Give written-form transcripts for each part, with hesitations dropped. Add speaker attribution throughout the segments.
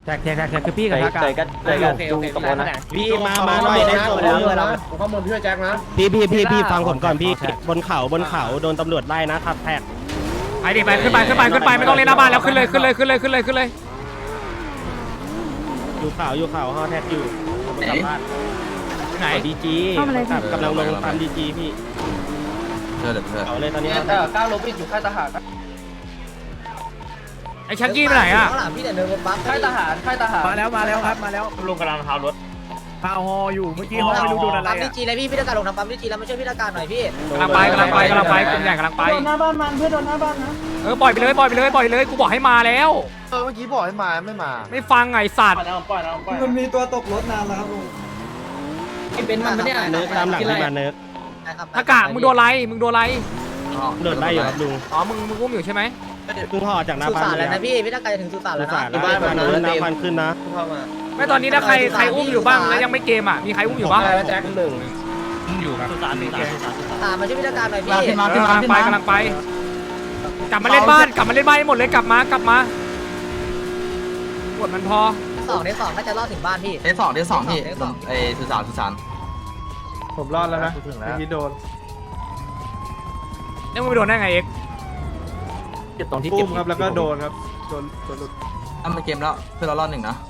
Speaker 1: แท็กคือพี่กับทักกัน
Speaker 2: ดูตะโกนนะ
Speaker 3: พี่มาหน่อยได้ตัวแล้ว
Speaker 4: ผมข้อมูลพี่แจ็คนะ
Speaker 3: พี่ฟังผมก่อนพี่บนเขาโดนตำรวจไล่นะครับแท็ก
Speaker 1: ไปดิไปขึ้นไปไม่ต้องเล่นหน้าบ้านแล้วขึ้นเลย
Speaker 3: อยู่เขาฮอแท็กอยู่กลับบ้าน
Speaker 1: ไหน
Speaker 3: ดีจีกำลังลงตามดีจีพี่เขาเลยตอนนี้
Speaker 2: แต่ก้าวลบอยู่ค่ายทหาร
Speaker 1: ไอ้ชักกี้ไปไหนอ่ะ
Speaker 2: พี่แต่เดินบนบัสค่ายทหาร
Speaker 5: มาแล้วครับมาแล้ว
Speaker 1: ลุงกำลังพารถ
Speaker 5: พาฮออยู่เมื่อกี้ฮอไม่รู้โดนอะไร
Speaker 2: ปั๊มดีจีเลยพี่ตะการลงทำปั๊มดีจีแล้วมาช่วยพี่ตะการหน่อยพี่
Speaker 1: กำลังไปกลุ่มใหญ่กำลังไป
Speaker 6: โดนหน้าบ้านมันเพื่อนโดนหน้าบ้านนะ
Speaker 1: ปล่อยไปเลยกูบอกให้มาแล้ว
Speaker 4: เมื่อกี้บอกให้มาไม่มา
Speaker 1: ไม่ฟังไอ้สัตว์
Speaker 6: มันมีตัวตกรถนานแล้วครับลุง
Speaker 2: เป็นมันเนี่ย
Speaker 3: เนิร์กตามหลังพี่มาเนิร์ก
Speaker 1: ทักกะมึงโดนไร
Speaker 3: โดนไล่อยู่ครับลุง
Speaker 1: อ๋อมึงอุ้มอยู่ใช่ไหม
Speaker 3: เพิ่งห่อจากหน้า
Speaker 2: สุ
Speaker 3: บ้าน
Speaker 2: สานแล้วนะพี่ตะการจะถึงสุสานแล้วนะ
Speaker 3: บ้านมาเนิร์กน้ำพันขึ้นนะ
Speaker 1: ไม่ตอนนี้ถ้าใครอุ้มอยู่บ้างแล้วยังไม่เกมอ่ะมีใครอุ้มอยู่บ้าง
Speaker 4: แจ็คหนึ่ง
Speaker 1: อยู่ครับ
Speaker 2: มาช่วยพี่ตะการหน่อยพี่
Speaker 1: กำลังไปกลับมาเล่นบ้านให้หมดเลยกลับมาปวดมันพอ
Speaker 2: ในสองน่าจะรอดถึงบ้านพี่
Speaker 7: เทสสองพี่ไอ้สุสาน
Speaker 4: ผมรอดแล้วนะพี่โดน
Speaker 1: เนี่ยมึงไปโดนได้ไงเอ็ก
Speaker 7: ตรงที่
Speaker 4: ปุ้มครับแล้วก็โดนครับโดนหลุด
Speaker 7: ทำเป็นเกมแล้วเพื่อเรารอดหนึ่งนะ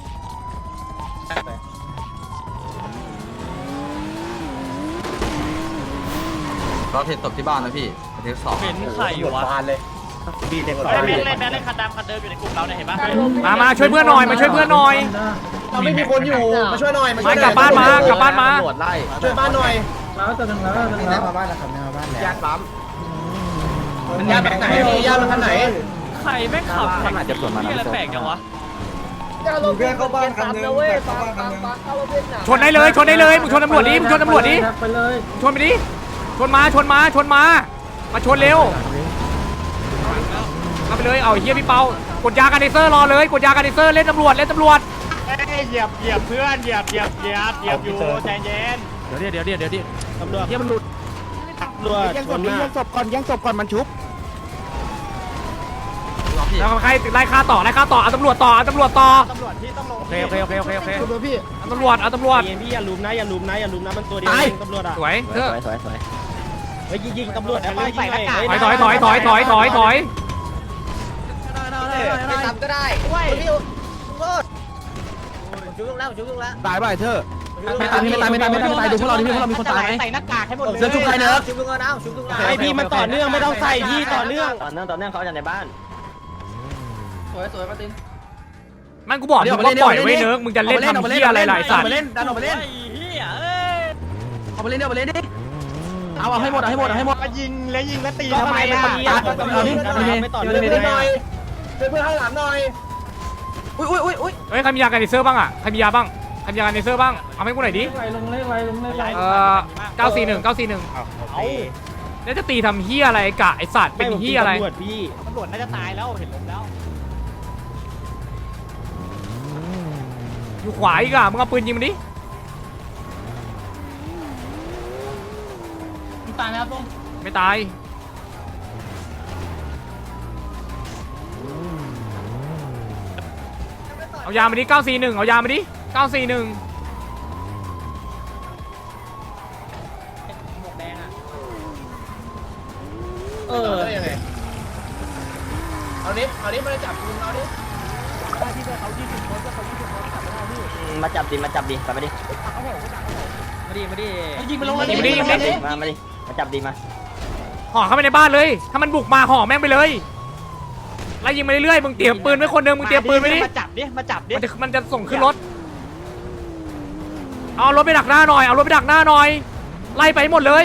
Speaker 7: เราเทสตบที่บ้านนะพี่เทสสอง
Speaker 1: เป็นไข่อยู่วะ
Speaker 4: บานเลย
Speaker 3: พี่เด็ก
Speaker 1: เล่นคันดำคันเดิมอยู่ในกลุ่มเราเนี่ยเห็นปะมาช่วยเพื่อนหน่อย
Speaker 4: เราไม่มีคนอยู่มาช่วยหน่อย
Speaker 1: กลับบ้านมา
Speaker 4: ตำรวจไล่ช่วยบ้านหน่อย
Speaker 6: แล้วตัวหนึ่งแล้ว
Speaker 4: มาบ้านแล้วครับมาบ้านแล้วญาติปั๊มมันญาติแบบไหนญาติมันไหน
Speaker 1: ไข่แม่งขับแข่งจะส่วนมาอะไรแปลกจังวะ
Speaker 6: เพื่อนเข้าบ้านคันนึงเข้าบ้านคันนึง
Speaker 1: ชนได้เลยมึงชนตำรวจดิชนไปดิชนมาชนเร็วเอาไปเลยเอาเฮียพี่เปากดยากันเดเซอร์รอเลยกดยากันเดเซอร์เล่นตำรวจเหยียบเพื่อนเหยียบอยู่ใจเย็นเดี๋ยว
Speaker 3: ตำรวจ
Speaker 1: เฮียมันหลุด
Speaker 3: ยังศพก่อนมันชุบ
Speaker 1: แล้วใครไล่ฆ่าต่อเอาตำรวจต่อ
Speaker 3: ตำรวจที่ต้องลง
Speaker 1: โอเค
Speaker 4: พี่
Speaker 1: ตำรวจ
Speaker 3: พี่อย่าลุมนะมันตัวเดียวตำรวจอ่ะ
Speaker 1: สวยเถอะ
Speaker 3: เฮ้ยยิงตำรวจนะป้ายิงหน่อย
Speaker 1: ถอย
Speaker 2: ไม่ทำก็ได้พี่โทษชุบลงแล้ว
Speaker 4: ตายไปเถอะ
Speaker 2: ไม่ตายดูพวกเราดิพวกเรามีคนตายไหมใส่หน้ากากให้หมดเลยชุบใครเนอะชุบลุงแล้วชุบลุงแล้ว
Speaker 3: ไอพี่มันต่อเนื่องไม่ต้องใส่พี่ต่อเนื่อง
Speaker 7: เขาจะในบ้านสวยมาติน
Speaker 1: มันกูบอกมึงว่าปล่อยไว้เนิร์กมึงจะเล่นทำเหี้ยอะไรหลายสัตว์
Speaker 4: ดันออกไปเล่น
Speaker 2: เอาไปเล่นดิเอาให้หมด
Speaker 3: ยิงแล้วตีทำไมล่ะไม่ต่อเนื่อง
Speaker 4: เพื่อนหน่อยเพื่อนข้างหลังหน่อย
Speaker 2: อุ้ย
Speaker 1: เฮ้ยใครมียากันเดเซอร์บ้างอ่ะใครมียาบ้างใครมียากันเดเซอร์บ้างเอาให้กูหน่อยดิ
Speaker 6: ลงเลขไร
Speaker 1: 941แล้วจะตีทำเหี้ยอะไรกะไอสัตว์เป็นเหี้ยอะไร
Speaker 3: ตำรวจพี่
Speaker 1: ตำรวจน่าจะตายแล้วเห็นลมแล้วอยู่ขวาอีกอ่ะมึงเอาปืนยิงมันดิ
Speaker 6: ตายไหมครับลุง
Speaker 1: ไม่ตายเอายามาดิ941เอายามาดิ941
Speaker 4: ยังไงเอาดิมาจับคุณเอาดิ
Speaker 7: มาจับดิกลับมาดิ
Speaker 1: ยิงไปลงมาดิ
Speaker 7: มาดิมาจับดิมา
Speaker 1: ห่อเข้าไปในบ้านเลยถ้ามันบุกมาห่อแม่งไปเลยไล่ยิงไปเรื่อยๆมึงเตรียมปืนไว้คนหนึงมึงเตรียมปืนไว้ดิมาจับดิมันจะส่งขึ้นรถเอารถไปดักหน้าหน่อยไล่ไปหมดเลย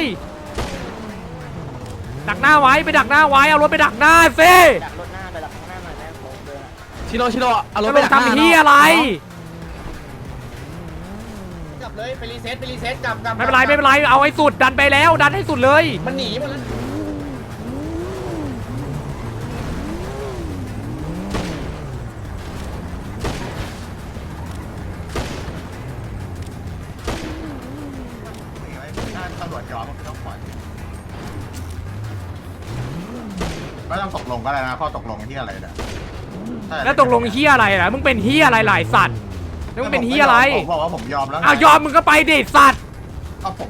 Speaker 1: ดักหน้าไว้ไปดักหน้าไว้เอารถไปดักหน้าซิ
Speaker 7: ดักรถหน้าไปดักข้างหน้าหน่อยนะผมเดิน
Speaker 4: ชิโร่เอารถ
Speaker 1: จะไปทำที่อะไร
Speaker 4: กลับเลยไปรีเซ็ตกลับ
Speaker 1: ไม่เป็นไรเอาให้สุดดันไปแล้วดันให้สุดเลย
Speaker 4: มันหนีหมดแล้วตำรวจจอมันต้องปล่อยไม่ต้องตกลงก็ได้นะข้อตกลงที่อะไรเนี่ย
Speaker 1: แล้วตกลงเฮียอะไรล่ะมึงเป็นเฮียอะไรหลายสัตว์แล้วมึงเป็นเฮียอะไร
Speaker 6: ผมบอกว่าผมยอมแล้ว
Speaker 1: อ้าวยอมมึงก็ไปดิสัตว์
Speaker 6: ก็ผม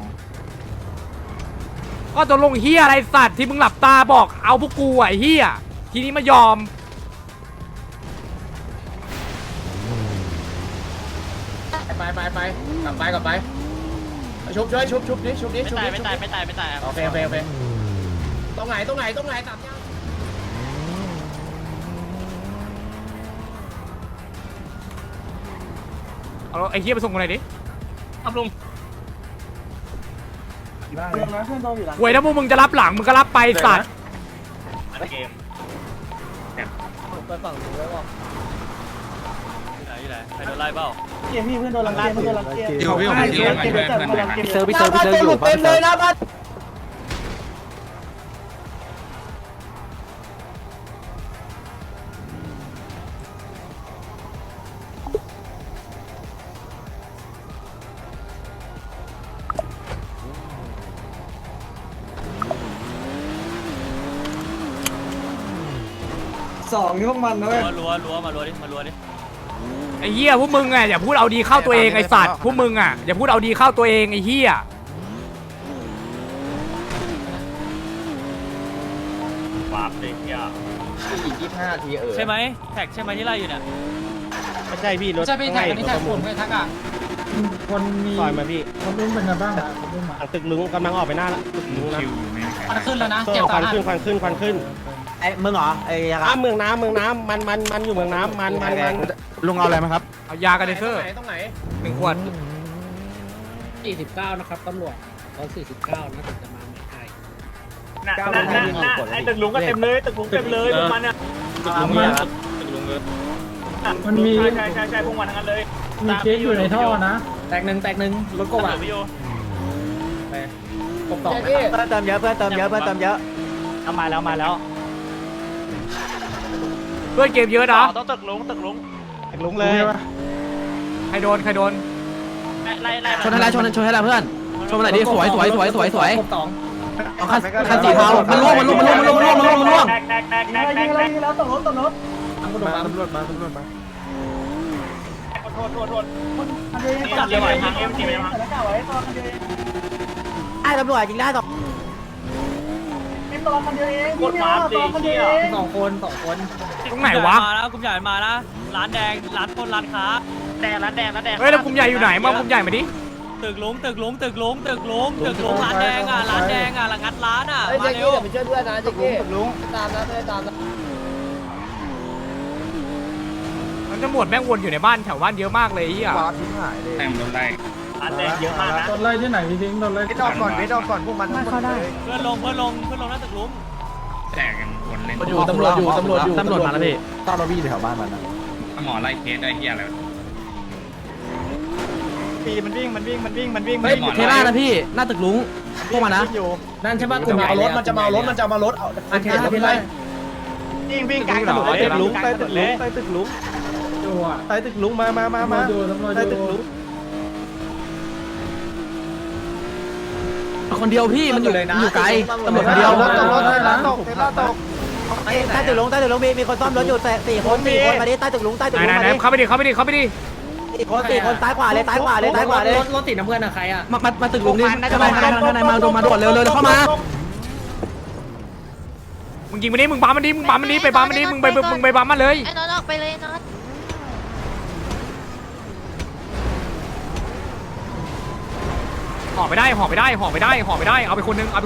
Speaker 1: ก็ตกลงเฮียอะไรสัตว์ที่มึงหลับตาบอกเอาพวกกูไอ้เฮียทีนี้มายอม
Speaker 4: ไปกลับไปชุบดิชุบดิไม่ตายโอเคตรงไหนตับยัง
Speaker 1: เอาไอ้เฮียไปส่งกูหน่อยดิ
Speaker 3: ครับลุง
Speaker 1: หวยถ้าพวกมึงจะรับหลังมึงก็รับไปสัตว์
Speaker 3: เกม
Speaker 7: ไปฝั่งนู้นแล้วก็
Speaker 3: อยู่ไหนใครโดนไล่เปล่า
Speaker 6: พี่เพื่อนโดนรังเกียจเพื่อนโดนรังเกียจ
Speaker 2: พี่เซอร์พี่เซอร์อยู่
Speaker 4: เต็มเลยนะบ้าน
Speaker 6: 2นี่พวกมันนะเว้ย
Speaker 3: รัวมารัวดิ
Speaker 1: ไอ้เฮียพวกมึงอ่ะอย่าพูดเอาดีเข้าตัวเองไอ้สัตว์พวกมึงอ่ะอย่าพูดเอาดีเข้าตัวเองไอ้เฮีย
Speaker 3: วาร์ปเลยเฮีย
Speaker 4: 25 ที
Speaker 3: ใช่ไหมแท็กใช่ไหมที่ไล่อยู่เนี่ยไม่ใช่พี่รถ
Speaker 7: จะไปแท็กนี่แท็กผมไม่ทักอ่ะ
Speaker 6: คนมี
Speaker 3: ซอยมาพี่
Speaker 6: คนรุ่นเป็นไงบ้างคนรุ่นมา
Speaker 3: ตึกลุงกำลังออกไปหน้าละตึกลุงนะ
Speaker 7: ควันขึ้นแล้วนะ
Speaker 3: ค
Speaker 7: เจ็บ
Speaker 3: วั
Speaker 7: สาน หัส
Speaker 3: ขึ้นควันขึ้น
Speaker 2: ไอ้มึงเหรอไอ้ยา
Speaker 3: เมืองน้ำมันอยู่เมืองน้ำมัน
Speaker 2: ลุงเอาอะไรมาครับ
Speaker 1: เอายากันเดเซอร์
Speaker 4: ตรงไหน
Speaker 1: 1 ขวด
Speaker 7: 49นะครับตำรวจเขา49นะถึงจะมาไม่ได้
Speaker 3: ไอ้ตึกลุงก็เต็มเลยตึกลุงเต็มเลยพวกมันอ่ะตึกลุงเลย
Speaker 6: มันมี
Speaker 3: ใช่พวกมันทั้งนั้นเลย
Speaker 6: มีเคสอยู่ในท่อนะ
Speaker 7: แตกหนึ่งรถกบอ่ะ
Speaker 3: พี่โย
Speaker 7: กบต่อ
Speaker 2: เพื่อนเติมเยอะเพื่อนเติมเยอะ
Speaker 3: เอามาแล้ว
Speaker 1: เพื่อนเกมเยอะนะ
Speaker 3: ต้องตึกลุง
Speaker 2: ตึกลุงเลย
Speaker 1: ใครโดน
Speaker 3: ไล่
Speaker 2: ชนให้เพื่อนชนมาไหนดิสวย
Speaker 7: กบต่อ
Speaker 2: เอาคันสีเทามันล่วง
Speaker 3: แตก
Speaker 6: แล้วตกรถ
Speaker 7: ตำรวจมา
Speaker 3: โทษจับเลยไหวทางเอ็มจีไปมั้ง
Speaker 2: ไอ้ตำรวจยิงได้ต่อ
Speaker 3: กดมาร์ดีเชี่ย
Speaker 7: สองคน
Speaker 1: ตรงไหนวะ
Speaker 3: มาแล้วกลุ่มใหญ่มานะร้านแดงร้านคนร้านค้าแดงร้านแดง
Speaker 1: เฮ้ยแล้วกลุ่มใหญ่อยู่ไหนมากลุ่มใหญ่มาดิ
Speaker 3: ตึกลุงร้านแดงอ่ะร้านงัดร้านอ่ะ
Speaker 4: เฮ้ย
Speaker 3: มา
Speaker 4: เจ๊
Speaker 3: เร็
Speaker 4: กี้
Speaker 3: ว
Speaker 4: เดี๋ยวไปช่วยเพื่อนนะเจ๊กี้ตามนะ
Speaker 1: มันจะหมดแม่งวนอยู่ในบ้านแถวบ้านเยอะมากเลยไอ้เฮีย
Speaker 3: ร้านแดงเยอะมากนะ
Speaker 6: โดนไล่ที่ไหนพี่ทิ้งโดนไล่ที่ไหน
Speaker 2: พวกมันเข้าได้
Speaker 3: เพื่อนลงหน้าตึกลุง
Speaker 2: ตำรวจมาแล้วพี่ต้อนรถพี่แถวบ้านมันนะ
Speaker 8: หมอไล่เคสได้เฮียอะไร
Speaker 3: มันวิ่ง
Speaker 2: เฮ้ยเทล่านะพี่หน้าตึกลุงพวกมันนะ
Speaker 7: นั่นใช่ป่ะกลุ่มใหญ่
Speaker 4: มันจะเมารถเอา
Speaker 7: เทล่าเทล่า
Speaker 3: วิ่งกลางถนนใต้ตึกลุง
Speaker 6: ใต้ตึกลุงมาดูตำรวจดู
Speaker 2: คนเดียวพี่มันอยู่ไกลตำรวจคนเดียว ใต้ตึกลุงมีคนซ่อมรถอยู่4 คนมาดิใต้ตึกลุง
Speaker 1: ไหนเข้าไปดิ4
Speaker 2: คนซ้ายขวาเลย
Speaker 7: รถติดน้ำเพื่อนอะใครอะ
Speaker 2: มาตึกลุงดิข้างในมาด่วนเร็วเข้ามา
Speaker 1: มึงยิงมันดิมึงบัมมันดิไปบัมมันดิมึงไปบัมมันเลย
Speaker 9: ไอ้น็อตออกไปเลยน็อต
Speaker 1: ห่อไปได้เอาไปคนนึง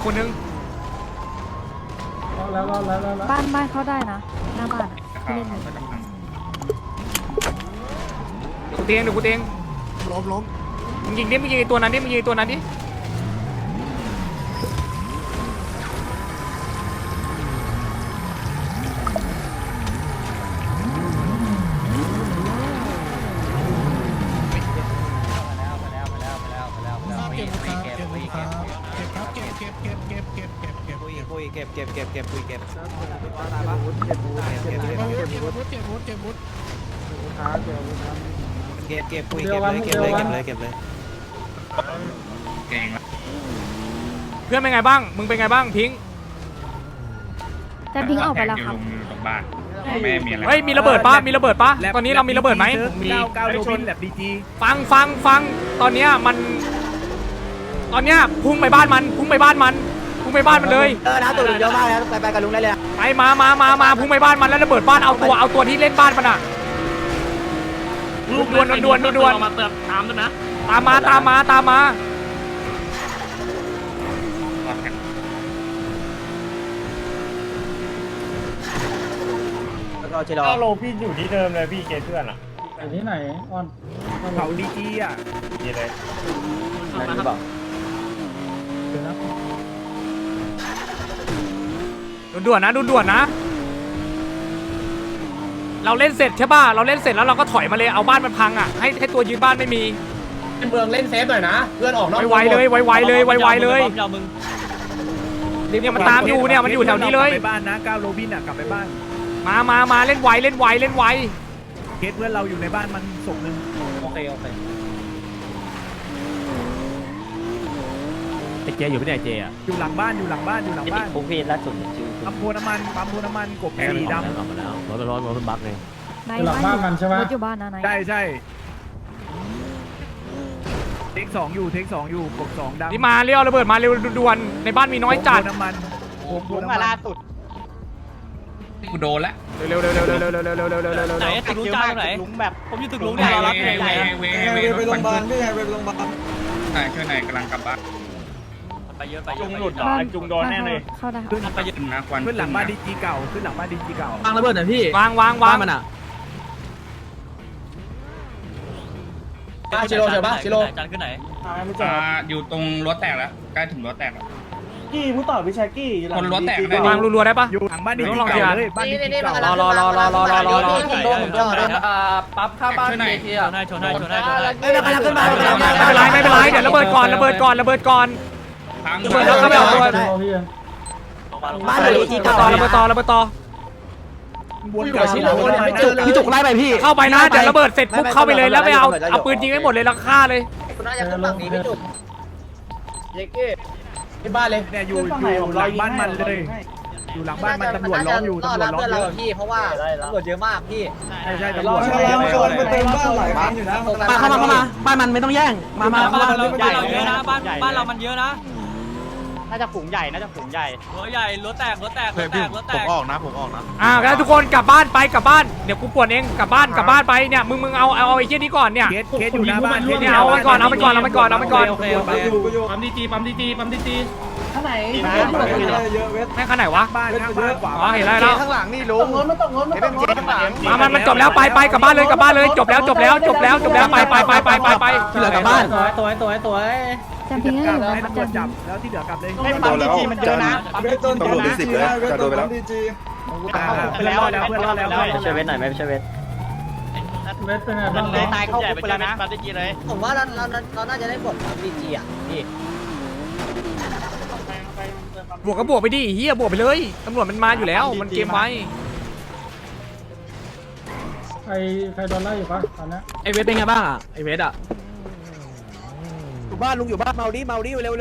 Speaker 6: แล้ว
Speaker 9: บ้านเขาได้นะหน้าบ้านที่เล่นอยู่
Speaker 1: กูเตียงล้มมึงยิงไอ้ตัวนั้นดิ
Speaker 8: เก่งละ
Speaker 1: เพื่อนเป็นไงบ้างมึงเป็นไงบ้างพิง
Speaker 9: แต่พิงออกไปแล้วครับ
Speaker 8: ลุงอยู่ตรงบ้าน
Speaker 1: ไ
Speaker 8: แม่มีอะไร
Speaker 1: เฮ้ยมีระเบิดปะมีระเบิดปะตอนนี้เรามีระเบิดไหม
Speaker 5: 99โรบินแลบดีจี
Speaker 1: ฟังตอนเนี้ยพุ่งไปบ้านมันพุ่งไปบ้านมันเลย
Speaker 2: นะตัวเยอะมากแล้วไปกับลุงได้เลย
Speaker 1: ไปมาพุ่งไปบ้านมันแล้วระเบิดบ้านเอาตัวที่เล่นบ้านมันอ่ะด่วนมาเติมตามด้วยนะตามมา
Speaker 2: แล้วก็ชิโร่
Speaker 5: โลพี่อยู่ที่เดิมเลยพี่เกเพื่อนอ่ะ
Speaker 7: อยู่ที่ไหนออน
Speaker 5: เขาดีจีอ่ะดีเลย
Speaker 2: นั่นหรือเปล่า
Speaker 1: ด่วนนะ เราเล่นเสร็จใช่ป่ะเราเล่นเสร็จแล้วเราก็ถอยมาเลยเอาบ้านมันพังอ่ะให้ตัวยืนบ้านไม่มี
Speaker 4: เมืองเล่นเซฟหน่อยนะเพื่อนออกนอก
Speaker 1: ไวๆเลยเนี่ยมันตามอยู่เนี่ยมันอยู่แถวนี้เลย
Speaker 5: ไปบ้านนะ9โรบินอ่ะกลับไปบ้าน
Speaker 1: มาเล่นไว
Speaker 5: เคสเพื่อนเราอยู่ในบ้านมันศพนึง
Speaker 7: โอเค
Speaker 1: ไอ้เจอยู่ไม่ได้เจอ่ะ
Speaker 5: อยู่หลังบ้าน
Speaker 2: ผมพี่ล่าสุดชื่อ
Speaker 5: ปั๊มโพน้ำมันกบสีดำ
Speaker 9: ไหน
Speaker 7: หลังบ้านมันใช่ไหม
Speaker 9: รถอยู่บ้านนะไหน
Speaker 5: ใช่เทค2อยู่กบ2ดำ
Speaker 1: นี่มาเรียวระเบิดมาเร็วด่วนในบ้านมีน้อยจัด
Speaker 5: น้ำมัน
Speaker 6: ผมมาล่าสุด
Speaker 8: กูโดนละ
Speaker 1: เร็ว
Speaker 6: ไหนตึกลุงจ้าไหนลุงแบบผมอยู่ตึกลุง
Speaker 8: เว
Speaker 6: เนี่ยรับ
Speaker 8: เว
Speaker 6: ใหญ่
Speaker 8: เว
Speaker 6: ไปโรงพยาบาลพี่ไงไปโรงพยาบาล
Speaker 8: ช่วยหน่อยกำลังกลับบ้าน
Speaker 6: ไปเยอะ
Speaker 5: จุงหลุดเหรอ
Speaker 9: บ้าน
Speaker 5: จุงโดนแน่เลย
Speaker 9: เข้าได้
Speaker 5: ขึ้น
Speaker 8: ไปยืนนะควัน
Speaker 5: ขึ้นหลังบ้านดีจีเก่าว
Speaker 2: างระเบิดหน่อยพี่
Speaker 1: วาง
Speaker 2: บ้านมันอ่ะ
Speaker 4: ชิโร่เจอปะชิโร่
Speaker 6: จานขึ้นไหน
Speaker 8: อยู่ตรงรถแตกแล้วใกล้ถึงรถแตกแล้ว
Speaker 6: กี้ผู้ต่อวิชากี้
Speaker 8: คนรถแตกได้
Speaker 1: วางรัวๆได้ปะ
Speaker 5: อยู่หลังบ้านดีจีเก่าเลยบ้านดีจีเก่าร
Speaker 1: อ
Speaker 6: ปั๊บข้าบ้านเทียชนให้
Speaker 2: ไม่เป็นไร
Speaker 1: ไม่เป็นไรเดี๋ยวระเบิดก่อน
Speaker 8: พัง
Speaker 1: แล้วก็ไปเอาตัว
Speaker 2: บ้านดีจีเก่า
Speaker 1: ระเบิดต่อ
Speaker 5: วนกับชิโร่
Speaker 2: พี่จุกไล่ไปพี่
Speaker 1: เข้าไปนะเดี๋ยวระเบิดเสร็จปุ๊บเข้าไปเลยแล้วไปเอาปืนยิงให้หมดเลยแล้วฆ่าเลย
Speaker 2: คุณน่าจะขึ้นฝั่งนี้พี่จุก
Speaker 4: ที่บ้านเลย
Speaker 5: เนี่ยอยู่หลังบ้านมันเลยอยู่หลังบ้านมันตำรวจล้อมอยู่
Speaker 2: ต้อนรับเพื่อนเราพี่เพราะว่าตำรวจเยอะมากพี่
Speaker 5: ใช่ตำรวจ
Speaker 6: มาเต็มบ้านหลายครั้งอยู่นะ
Speaker 2: เข้ามาบ้านมันไม่ต้องแย่งมา
Speaker 6: บ้านเราใหญ่เยอะนะบ้านเรามันเยอะนะ
Speaker 7: น่าจะฝูงใหญ่
Speaker 6: หัวใหญ่รถแตก
Speaker 3: ผมออกนะ
Speaker 1: แล้วทุกคนกลับบ้านเดี๋ยวกูป่วนเองกลับบ้านไปเนี่ยมึงเอาไอ้เหี้ยนี้ก่อนเนี่ย
Speaker 5: เคสอยู่หน้าบ้าน
Speaker 1: เนี่ยเอามันก่อน
Speaker 8: ปั๊มดีจี
Speaker 6: ข้างไหน
Speaker 1: แม่งข้างไหนวะ
Speaker 5: บ้านข้างบ้านขวา
Speaker 1: อ๋อเห็นแล้ว
Speaker 6: ข้างหลังนี่ลุงข้างหลัง
Speaker 1: มันจบแล้วไปกลับบ้านเลยจบแล้วไป
Speaker 2: ที่เหลือกลับบ้าน
Speaker 7: ตัว
Speaker 9: จำพิงให้อยู่
Speaker 5: ให้
Speaker 9: นะ
Speaker 5: ตำรวจจับแล้วที่เหลือกลับเลย
Speaker 6: ไม่ปั๊มดีจีมันเยอะนะตำรวจมี10เลยจะโดนไปแล้วดีจี
Speaker 5: เพื่อนรอดแล้ว
Speaker 2: ไม่ใช่เวทไหนไม่ใช่เวท
Speaker 6: มันเลยตายเข้าคุกไปแล้วนะปั๊มดีจีเลย
Speaker 2: ผมว่าเราน่าจะได้บทดีจีอ่ะพี่
Speaker 1: บวกก็บวกไปดิเฮียบวกไปเลยตำรวจมันมาอยู่แล้วมันเกมไว้
Speaker 7: ใครโดนไล่อยู่ปะตอนนี้
Speaker 2: ไอเวทเป็นไงบ้างอ่ะไอเวทอ่ะ
Speaker 5: อยู่บ้านลุงอยู่บ้านเมาดิเร็ว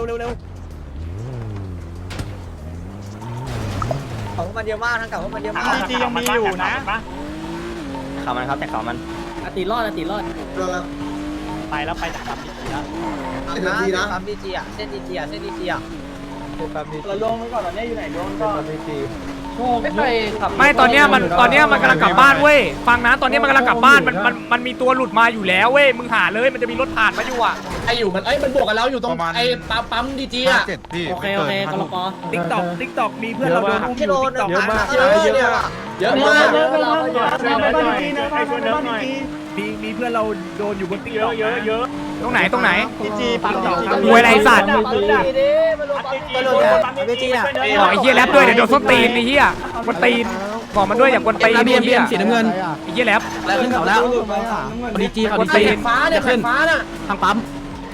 Speaker 2: ของมันเยอะมากทั้งเก่ามันเยอะมาก
Speaker 6: ดีจียังมีอยู่นะ
Speaker 2: ข่าวมันครับแต่ข่าวมัน
Speaker 7: ตีรอด
Speaker 6: ไปแล้วไปจากปั๊มดีจีแล้ว
Speaker 2: ปั๊มดีจีอ่ะเส้นดีจีอ่ะ
Speaker 6: เราลงไปก่อนตอนนี้อยู่ไหนลงก่อนไม่เคยขับ
Speaker 1: ไม่ตอนเนี้ยมันกำลังกลับบ้านเว้ยฟังนะตอนนี้มันกำลังกลับบ้านมันมีตัวหลุดมาอยู่แล้วเว้ยมึงหาเลยมันจะมีรถผ่านมาอยู่อ่ะ
Speaker 4: ไออยู่มันมันบวกกันแล้วอยู่ตรงไอปั๊มดีจีอ่ะ
Speaker 7: โอเคกรปอ
Speaker 5: ติ๊กตอกมีเพื่อนเราโดนอุ้ม
Speaker 2: ที่โดน
Speaker 5: ติ๊กตอก
Speaker 2: เยอะมาก
Speaker 4: เยอะมาก
Speaker 5: มีเพื่อนเราโดนอยู่บนติ๊กตอกเยอะ
Speaker 1: ตรงไหน
Speaker 6: ดีจีปั๊มดีจี
Speaker 1: รวยไรสัตว์
Speaker 2: ดีจีอ่ะ
Speaker 1: บอกไอ้เหี้ยแรปด้วยเดี๋ยวโดนส้นตีนไอ้เหี้ยกวนตีนบอกมันด้วยอย่ากวนตีน
Speaker 2: เบียมสีน้ำเงิน
Speaker 1: ไอ้เหี้ยแรป
Speaker 2: แล้วขึ้นเขาแล้วดีจีเขาดีจี
Speaker 4: ฟ้าเนี่ยฟ้าน่ะ
Speaker 2: ทางปั๊ม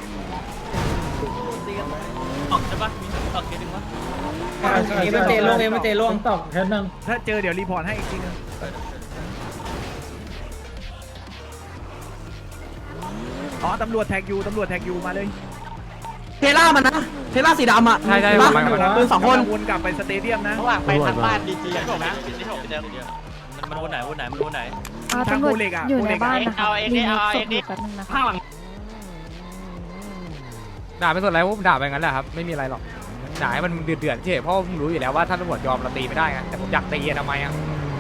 Speaker 6: ออกใช่ปะมีออกเกมนึงวะ
Speaker 7: ไม่เตะลงตอกแค่นึง
Speaker 5: ถ้าเจอเดี๋ยวรีพอร์ตให้อีกทีนึงอ๋อตำรวจแท็กยูมาเลย
Speaker 2: เทล่ามันนะเทล่าสีดำอ่ะ
Speaker 1: ใช่
Speaker 2: ปืน2 คน
Speaker 5: วนกลับไปสเตเดียมนะ
Speaker 6: ระหว่างไปทางบ้านดีจีถูกนะ
Speaker 1: มันวนไหนวนไหนมันวนไหน
Speaker 9: ตำรวจอยู่ในบ้านนะคะมีศพอยู่แป๊บนึงนะคะ
Speaker 1: ด่าไม่สนอะไรผมด่าไปงั้นแหละครับไม่มีอะไรหรอกด่าให้มันเดือดเฉยเพราะผมรู้อยู่แล้วว่าถ้าตำรวจยอมเราตีไม่ได้ไงแต่ผมอยากตีทำไมอ่ะ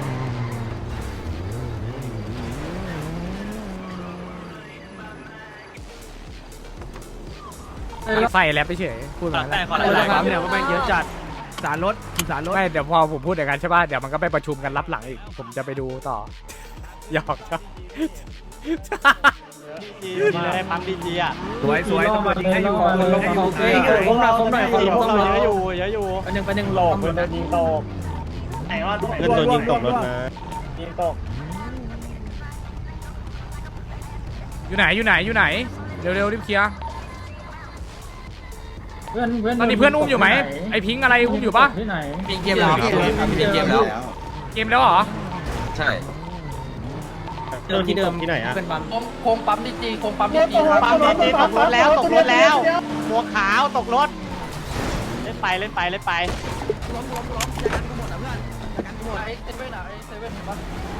Speaker 1: ใส่แล้วไปเฉยพูดมาแล้ว
Speaker 5: เนี่ยว่าแม่งเยอะจัดสารรถ
Speaker 1: ไม่เดี๋ยวพอผมพูดอย่างนั้นใช่ป่ะเดี๋ยวมันก็ไปประชุมกันรับหลังอีกผมจะไปดูต่อหยอกครับดีเลยปั๊มดีอ่ะ
Speaker 5: สวยตำรวจยิงให้อยู่ผมหน่อยเยอะอยู่อันนึงหลอกมันยิงตกไหนว่าเงินโดนยิงตกรถนะยิงตก
Speaker 1: อยู่ไหนเร็วรีบเคลียร์ตอนนี้เพื่อนอุ้มอยู่ไหมไอพิงอะไรอุ้มอยู่ปะ
Speaker 2: มีเกมแล้วเกมแล้ว
Speaker 1: เหรอ
Speaker 2: ใช่โดนที่เดิม
Speaker 3: ที่ไหนอ่ะ
Speaker 2: เป็นปั๊ม
Speaker 6: โคงปั๊มดีจีโคงปั๊มดีจี
Speaker 1: ปั๊มดีตกรถแล้วหัวขาวตกรถเล่นไป
Speaker 6: เซเว่นอ่ะเซเว่นเห็นปะ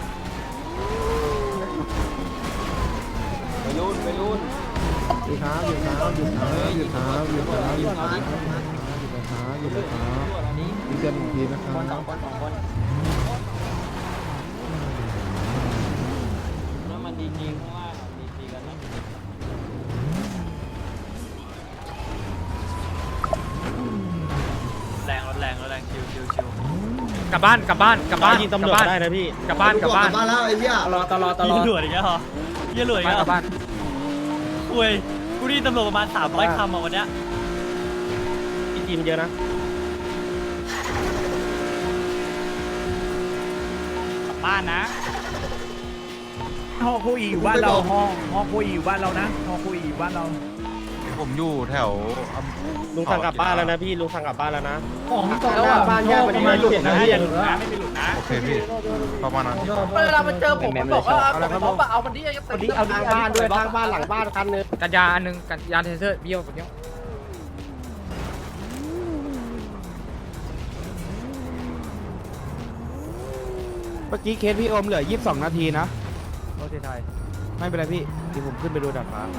Speaker 1: แรงชิวกลับบ้าน
Speaker 3: ยิงตำรวจได้นะพี่
Speaker 1: กลับบ้าน
Speaker 2: แล้วไอ้เหี้ยตลอด
Speaker 1: ตำรวจอีกแล้วเหรอเยี่ยหลวยกลับบ้านคุยกูนี่ตำรวจประมาณ300 คำอ่ะวันเนี้ย
Speaker 3: พี่จีนเยอะนะ
Speaker 1: กลับบ้านนะ
Speaker 5: ห้องคุยอยู่บ้านเราห้องคุยอยู่บ้านเรานะห้องคุยอยู่บ้านเรา
Speaker 10: ผมอยู่แถว
Speaker 3: ลุงสั่งกลับบ้านแล้วนะพี่ลุงสั่งกลับบ้านแล้วนะ
Speaker 6: ของตกแล้วบ้านแยกเป็นไม่หลุดนะ
Speaker 1: อย่าหลุดนะไม่มีหลุดนะ
Speaker 10: โอเคพี่ประมาณนั้น
Speaker 6: เวลามันเจอผมบอกว่าผมเอามันที่ยัง
Speaker 3: วันนี้เอาทางบ้านด้วยทางบ้านหลังบ้านคันนึง
Speaker 1: กันยาอันนึงกันยาเทเซอร์เบี้ยวแบบนี้
Speaker 10: เมื่อกี้เคสพี่โอมเหลือ22 นาทีนะ
Speaker 1: โรถไทย
Speaker 10: ไม่เป็นไรพี่เดี๋ยวผมขึ้นไปดูดาดฟ้า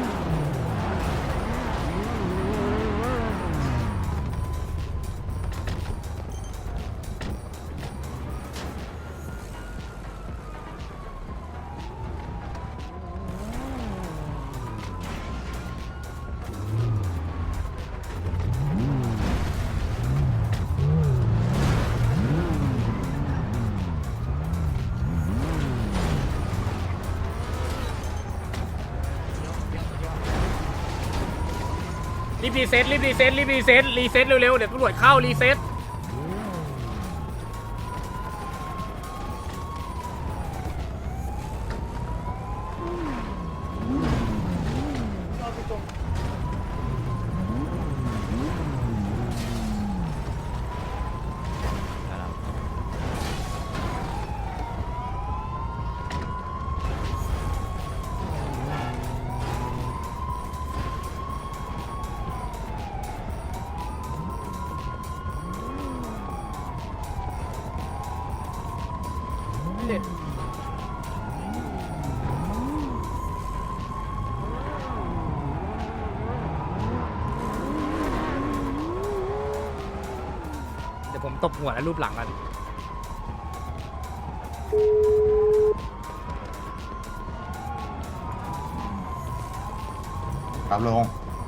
Speaker 1: รีบรีเซ็ตเร็วๆเดี๋ยวตำรวจเข้ารีเซ็ตเดี๋ยวผมตบหัวแล้วรูปหลังกัน
Speaker 10: ครับลุง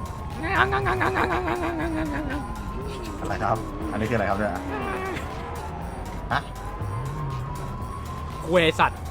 Speaker 10: อะไรครับ อันนี้คืออะไรครับเนี่ย
Speaker 1: คุยไอสัตว์